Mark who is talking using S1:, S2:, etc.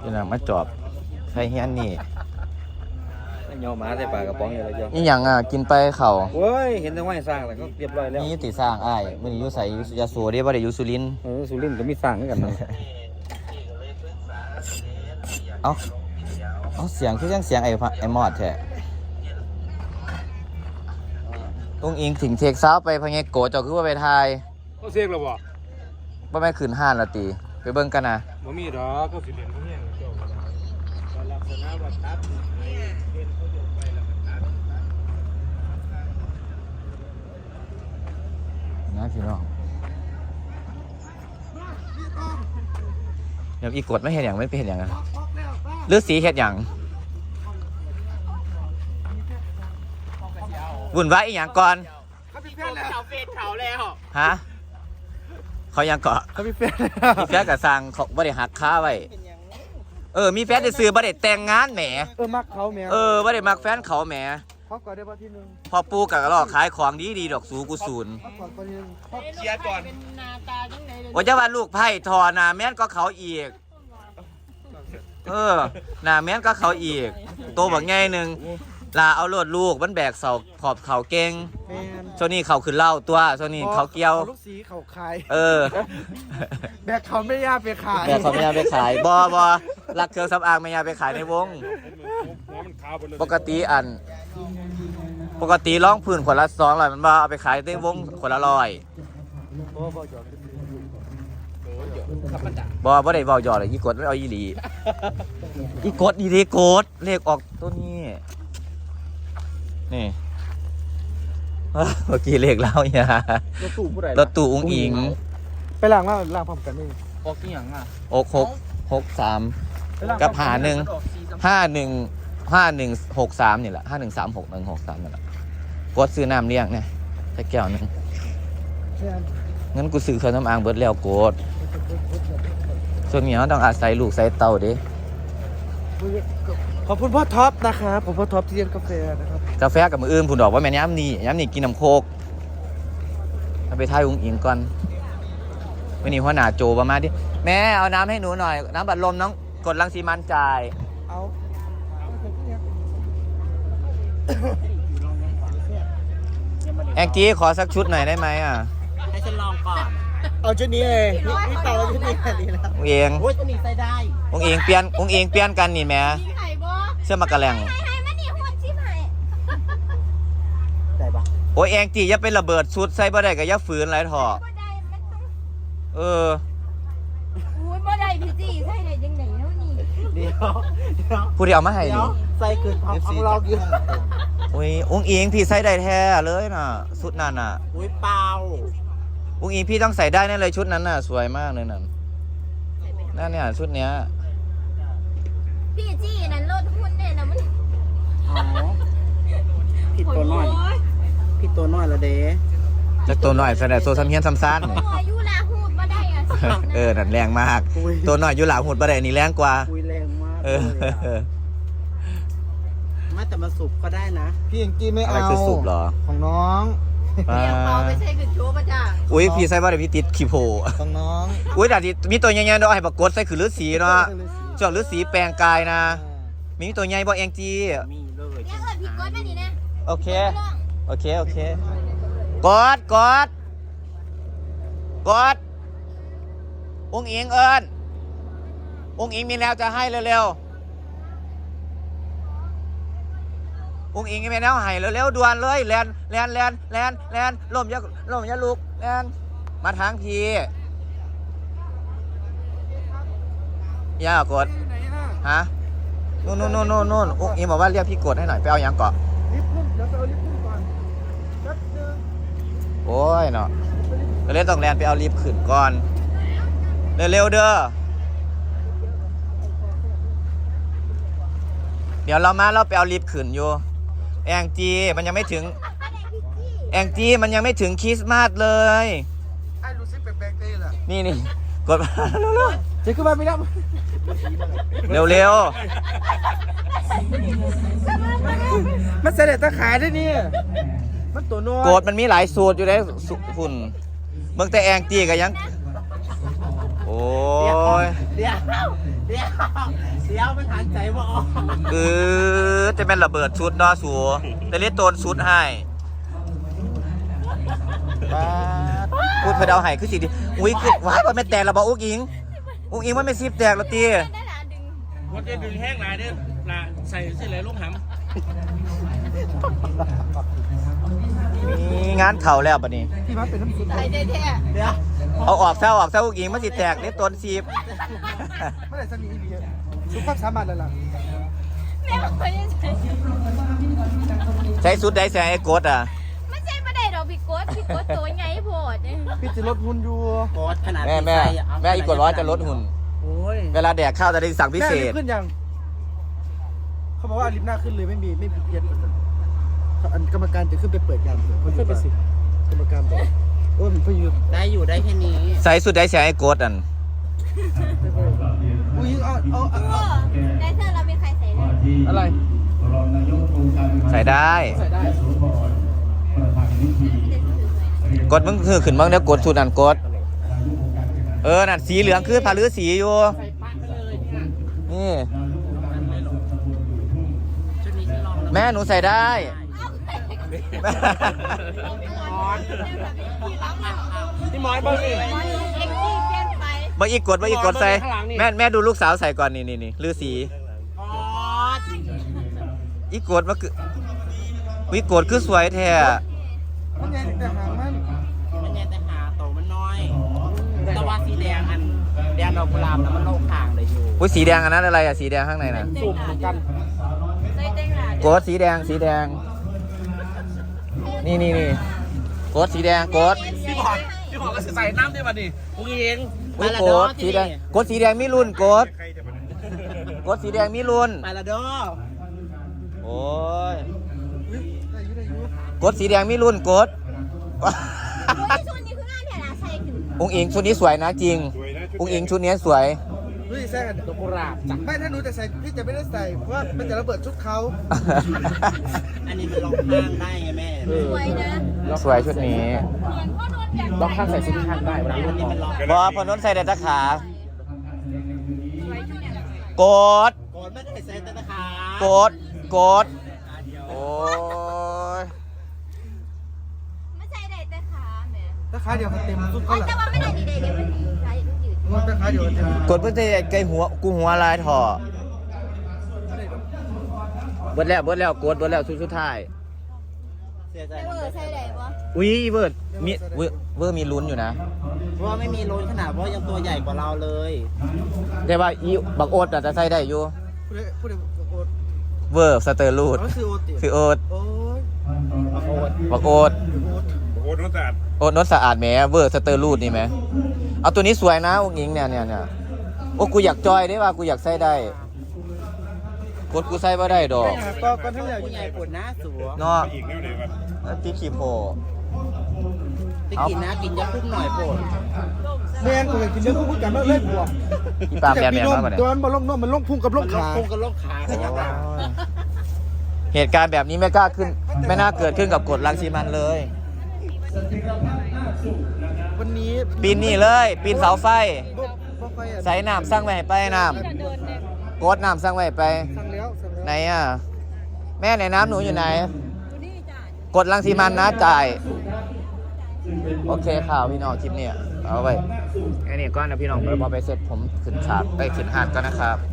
S1: นี่นะมาจอบใครเฮียนนี่
S2: ยอมาใส่ปลากระป๋องอยู่แล้วจ้ะ
S1: นี่อย่างกินไปเข่า
S2: โอ้ยเห็นแต่ว่าสร้างแล้วก็เรียบร้อยแล้ว
S1: นี่ติสร้างอ้ายมันอยู่ใส่ยาสูเด้บ่ได้อยู่สุรินทร์
S2: สุรินทร์ก็มีสร้างเหมือนกันนะ
S1: เอาเสียงคือยังเสียงไอ้มอดแท้องอิงถึงเทคซาวไปพะเงโกเจ้าคือว่าไปทาย
S3: เขาเสียกแล้ว
S1: บ่แม่ขึ้นห้านละติไปเบิ่งกันนะ
S3: บ่มีดอกก็สิเล่นพวกนี้เจ้าลักษณะว่าตัดเล่นเขาโยกไปแล้วก็ตัด
S1: นะพี่น้องเดี๋ยวอีกดไม่เห็นอย่างไม่เป็นเห็นอย่างนะหรือสีเห็ดอย่างวุ่นวายอีกอย่างก่อน
S3: เขาเฟซเขาแล้ว
S1: ฮะเขายังเกาะ
S2: เขามีแฟน
S1: มีแฟนกับสังเขาบ่ได้หักค้าไว้มีแฟนได้ซื้อบ่ได้แต่งงานแหม
S2: มักเขาแหม
S1: บ่ได้มักแฟนเขาแหม
S2: เขาก่อนได้ป่ะที่นึง
S1: พอปูกับกระรอกขายของดีดอกสูกูศูนย์
S3: เชียร์ก่อน
S1: ว่าจะว่าลูกไผ่ทอหน้าแม่นก็เขาอีกหน้าแม่นก็เขาอีกโตบักใหญ่นึงลาเอาโลดลูกมันแบกเสาขอบเขาเก่งโซนี่เขาขึ้นเล่าตัวโซนี่เขาเกี่ยว
S2: ลูกสีเขาขายแบกเขาไม่ยาไปขาย
S1: แบกเขาไม่ยาไปขายบรักเครื่องสำอางไม่ยาไปขายในวงปกติร้องพื้นคนละ200มันบ่เอาไปขายในวงคนละ100บ่ได้เว้าหยอดเลยอีกดไม่เอาอีหลีอีกดอีเดโกดเลขออกตัวนี้นี่เมื่อกี้เลขเล่าเนี่ยรถตู้อุ้งอิง
S2: ไปล้างพร้อมกันนี่
S3: ออกกี่อย่าง
S1: 663กับ515163นี่แหละ5136 163นี่แหละกดซื้อน้ำเลี้ยงเนี่ยแค่แก้วนึงงั้นกูซื้อเครื่องน้ำอ่างเบิดแล้วกดส่วนนี้ต้องอาศัยลูกใส่เตาดิ
S2: ขอบคุณพ่อท็อปนะครับผมพ่อท็อปที่เลี้ยงกาแฟนะครับ
S1: กาแฟกับมืออื่นผุนดอกว่าแม่ย้ำนี่กินน้ำโคกเอาไปทายอุ้งอิงก่อนวันนี้หัวหน้าโจประมาณดิแม่เอาน้ำให้หนูหน่อยน้ำบัดลมน้องกดรังสีมันจ่ายแองจี้ขอสักชุดหน่อยได้ไหม
S3: ให้ฉันลองก่อน
S2: เอาชุดนี้เลยนี่เตาชุดนี้แค่นี้แล้ว
S1: อุ้งอิง
S3: โอ้ยตัวนี้ใส่ได้
S1: อุ้งอิงเปลี่ยนกันนี่แม่เสื้อมากระแลงโอ้ยแองจี้อย่าเป็นระเบิดชุดใส่บ่ได้ก็อย่าฝืนไรถอ
S4: อุ้ยบ่ได้พี่จี้ใส่ได้ยังไงแล้วนี่
S2: เดี๋ยว
S1: ผู้ที่เอามาให้นี่
S2: ใส่คือของเราอยู่
S1: อุ้ยอุ้งอิงพี่ใส่ได้แท้เลยน่ะชุดนั้นน่ะ
S3: อุ้ยเปล่า
S1: อุ้งอิงพี่ต้องใส่ได้แน่เลยชุดนั้นน่ะสวยมากเลยนั่นเนี่ยชุดเนี้ย
S4: พี่จี้นั่นรถหุ้นเนี่ยนะมัน
S2: ผิดตัวน้อยละเด้
S1: จากตัวน้อยแสดงโซซัมเฮียนซัมซาน
S4: เนี่ยยุลาหูดมาได้
S1: นั่นแรงมากตัวน้อยยุลาหูดมาได้นี่แรงกว่า
S2: แรงมากไม่แต่มาสูบก็ได้นะพี่ยังกี้ไม่เอา
S1: อะไรคือสูบหรอ
S2: ของน้อง
S4: ไม่ใช่คือโชว์ประจ่าง
S1: อุ้ยพี่ใส่บ่ได้พี่ติดขี้โผ
S2: ของน้อง
S1: อุ้ยแต่มีตัวใหญ่ๆด้วยให้ปรากฏใส่คือฤาษีเนาะเจ้าฤาษีแปลงกายนะมีตัวใหญ่บ่แองจี
S2: มีเลย
S4: เนี่ยพี่กดมาดินะ
S1: โอเคกดอุ้งอิงอุ้งอิงมีแล้วจะให้เร็วๆอุ้งอิงมีแล้วให้เร็วๆด่วนเลยแลนล่มอย่าลุกแลนมาทางพี่ย่ากดฮะนู่นอุ้งอิงบอกว่าเรียกพี่กดให้หน่อยไปเอายังเกาะ
S2: ลิฟต์พุ่มเดี๋ยวไปเอาลิฟต์พุ่มก่อนแป๊บนึง
S1: โอ้ยเนาะเล่นต้องแลนไปเอาลิฟต์ขึ้นก่อนเร็วๆเด้อเดี๋ยวเราไปเอาลิฟต์ขึ้นอยู่แองจีมันยังไม่ถึงคริสต์มาสเลย
S2: ไอ้รู้สึกแปลกๆเลยล่ะ
S1: นี่กดมา
S2: เจ๊ขึ้นมาไม่ได้
S1: เร็ว
S2: มันเสด็จตะขายได้นี่มันตัวน้อย
S1: โกดมันมีหลายสูตรอยู่ได้ฝุ่นเมืองแต่แองจีก็ยังโอ้อ้ย
S2: เดี๋ยวมันหันใจว่าอ๋อ
S1: จะเป็นระเบิดชุดเนาะสัวแต่เล่นโตนชุดให้พูดเพื่อเดาให้คือสิดิอุ้ยคือว้ายว่าไม่แตกระบอกอุ้งอิงว่าไม่ซีบแตกแล้วตี
S4: ได้หลานดึง
S3: วัดจะดึงแห้งหลายเด้อละใส่สิเลยลูกหำ
S1: มีงานเข่าแล้วปะนี่
S2: ที่มันเป็นน้ำซุป
S4: ใส่แท้
S2: เดี๋ยว
S1: เอาออกซะอุ้งอิงมันสิแตกเล่นโตนซีบ
S2: ไม่ได้สนิทอีกซุปความสามารถเลยล่ะ
S4: ๆแม่บอกว่ายังใส่
S1: ใช้ชุดได้แสงไอ้กดอ่ะ
S4: ไม่ใช่ประเดี๋ยวพี่โกดตัวไงโพดเนี่ย
S2: พี่จะลดหุ่นอยู่กดขนาด
S1: แม่อีกกดร้อยจะลดหุ่น
S2: โอ้ย
S1: เวลาแดกข้าวจะได้สั่งพิเศษ
S2: แม่ลิฟต์ขึ้นยังเขาบอกว่าลิฟต์หน้าขึ้นเลยไม่เพี้ยนอันกรรมการจะขึ้นไปเปิดยามเถอะขึ้นไปสิกรรมการบอกโอ้ยมันพยุดได้อยู่ได้แค่นี้
S1: ใส่ชุดได้แสงไอ้กดอัน
S2: อุ้ยเอา
S4: ได้เธอเรามีใครใส่ได้
S2: อะไร
S1: ใส่ได้
S2: ใส่ได้
S1: กดมึงคือขึ้นบ้างเดี๋ยวกดชุดอันกดนั่นสีเหลืองคือผ้าลือสีอยู่นี่แม่หนูใส่ได้
S3: พี่หมอยบ้างสิ
S4: เอ็กซี่เปลี่ยนไป
S1: มาอีกกดใส่แม่ดูลูกสาวใส่ก่อนนี่ลือสีอีกกดมาคือวิกดคือสวยแท้
S2: มันไงแต่หางมันไงแต่หาโตมันน้อยแต่ว่าสีแดงแดงดอกกุหลาบนะมันโลกห่างเลยอยู่
S1: อุ้ยสีแดงอันนั้นอะไรอะสีแดงข้างในน่ะ
S2: สูบเหมือนกัน
S4: ใส่เต็งหลาน
S1: กดสีแดงนี่กดสีแดงกด
S3: พี่บอกก็ใส่น้ำได้ป่ะนี่อุ้งเอง
S1: อุ้ยกดสีแดงกดสีแดงมีรุ่นกดสีแดงมีรุ่น
S2: ไปละเด้อ
S1: โอ้ย
S2: ได้อยู่
S1: กดสีแดงมีรุ่นกด
S4: ชุดนี้คืองานแถวใส่ขึ้น
S1: องค์อิงชุดนี้สวยนะจริงองค์อิงชุดนี้สวย
S2: เฮ้ยแซ่กันดอกกุหลาบจ้ะไม่ถ้าหนูจะใส่พี่จะไม่ได้ใส่เพราะว่ามันจะระเบิดชุดเขา อันนี้มันลองข้างได้ไงแม่
S4: สวยนะ
S1: สวยชุดนี้
S4: เหมือนพ่อโดนแบบ
S2: ลองข้างใส่ซิงข้างได้เวลารุ่นนี้มันลอง
S1: บอพอน้นใส่แต่ตะขา กด
S2: ก่อนไม่ได้ใส่แต่ตะขาก
S1: ดโอ้ย
S4: ไม่ใช่ได้แต่ขาแม่
S2: ตะขาเดียวมันเต็มชุดเขาแหละ
S4: แต่ว่าไม่ได้ดีเดี๋ยวมันใส่ยืด
S2: มันตะขาเดียวมันเต็ม
S1: กดเพื่อจะไกลหัวกูหัวลายถอเบิดแล้วกดเบิดแล้วชุดสุดท้าย
S2: เสียใจ
S4: ใส่ได้ปะ
S1: อุ้ยเวิร์ดมีเวิร์ดมีลุ้นอยู่นะ
S2: เพราะว่าไม่มีโลนขนาดเพราะยังตัวใหญ่กว่าเราเลย
S1: แต่ว่าอีบักโอ๊ตอาจจะใส่ได้อยู่
S2: พูดถึงโอ๊ต
S1: เวอร์สเตอร์ลูด
S2: เขาคือโอ๊ตติ
S1: คือโอ๊ต
S2: โอ๊ยโอ๊ต
S1: บักโอ๊ต
S3: โอ้โหรถจัด
S1: โอ๊ตนดสะอาดแหมเวอร์สเตอร์ลูดนี่ไหมเอาตัวนี้สวยนะองค์หญิงเนี่ยโอ้กูอยากจอยได้ว่ากูอยากใส่ได้กดกูใส่บ่ได้ดอก
S2: ก็ทั้งเหลือใหญ่ปวดหน้าสัว
S1: เนาะ
S3: อีกแล้วเดี๋ยวกัน
S1: ตีขีโพ
S2: ไปกินนะกินยาคุ้มหน่อยปวดแม่งกูกินเยอะพูดกันแล้วเล่นบวก
S1: อีปามแมนมาบ่เนี่ย
S2: ตัวมันบอลล่มมันล่มพุ่งกับล่มขาพุ่งกับล่มขา
S1: เหตุการณ์แบบนี้ไม่กล้าขึ้น ไม่น่าเกิดขึ้นกับกฎรังสีมันเลย
S2: วันนี้
S1: ปีนนี่เลย ปีนเสาไฟ
S2: บ่ค่อย
S1: ใส่น้ำสร้างไว้ให้ไปน้ำกดน้ำสร้างไว้ให้ไป
S2: สั่งแล้ว
S1: ไหนอ่ะ แม่ไหนน้ำหนูอยู่ไหน กดรังสีมันนะจ่าย โอเคข่าวพี่น้องคลิปนี้เอาไว้แค่นี้ก่อนนะพี่น้องเดี๋ยวพอไปเสร็จผมขึ้นฉากไปขึ้นหาดก่อนนะครับ